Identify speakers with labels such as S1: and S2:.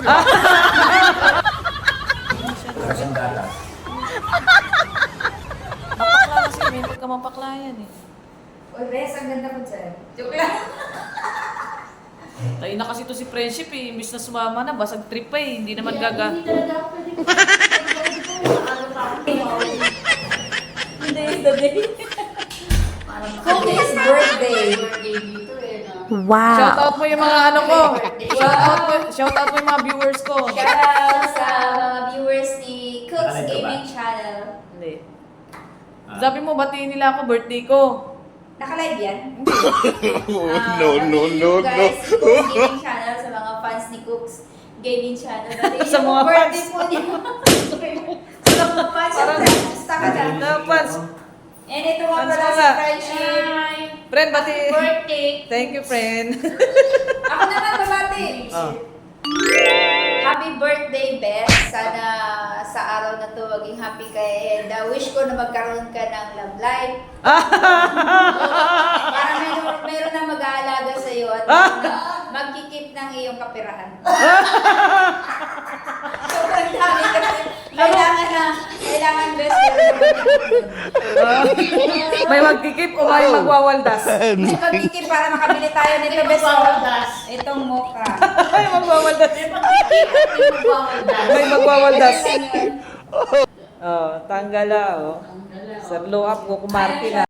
S1: Sandala.
S2: Mapakla kasi, may pagkamapaklayan eh.
S3: Uy, Bes, ang ganda mo dyan. Joke lang.
S2: Tayo na kasi to si Friendship eh. Imbis na sumama na, basag trip pa eh. Hindi naman gaga.
S4: Hindi talaga ako pwede ko.
S2: Hindi, the day.
S3: Cookie's birthday.
S4: Birthday dito eh. No?
S2: Shout out mo yung mga ano ko. Shout out mo yung mga viewers ko.
S3: Shoutout sa mga viewers ni Cooks Gaming Channel.
S2: Hindi. Sabi mo, batiin nila ako, birthday ko.
S3: Naka-live yan?
S1: No.
S3: Guys, Cooks Gaming Channel sa mga fans ni Cooks Gaming Channel.
S2: Sa mga
S3: birthday
S2: fans.
S3: po niya. Sa mga fans. Basta ka na.
S2: Napans.
S3: And ito nga
S2: Fans
S3: pala
S2: mo
S3: si
S2: nga.
S3: Friendship.
S2: Friend, bati.
S4: Birthday.
S2: Thank you, friend.
S3: Ako naman babati.
S2: Oh.
S3: Happy birthday, Beth. Sana sa araw na to maging happy ka and wish ko na magkaroon ka ng love life. Para meron na mag-aalaga sa iyo at magkikip ng iyong kapirahan. Sobrang dami kasi kailangan best
S2: May magkikip o may magwawaldas?
S3: may magkikip para makabili tayo nito best.
S4: Magwawaldas.
S3: Itong mocha.
S2: May magwawaldas.
S4: Magwawaldas.
S2: May magwawaldas.
S3: Ano yun?
S2: Oh, tanggala oh. Sa blow up ko kumarti na.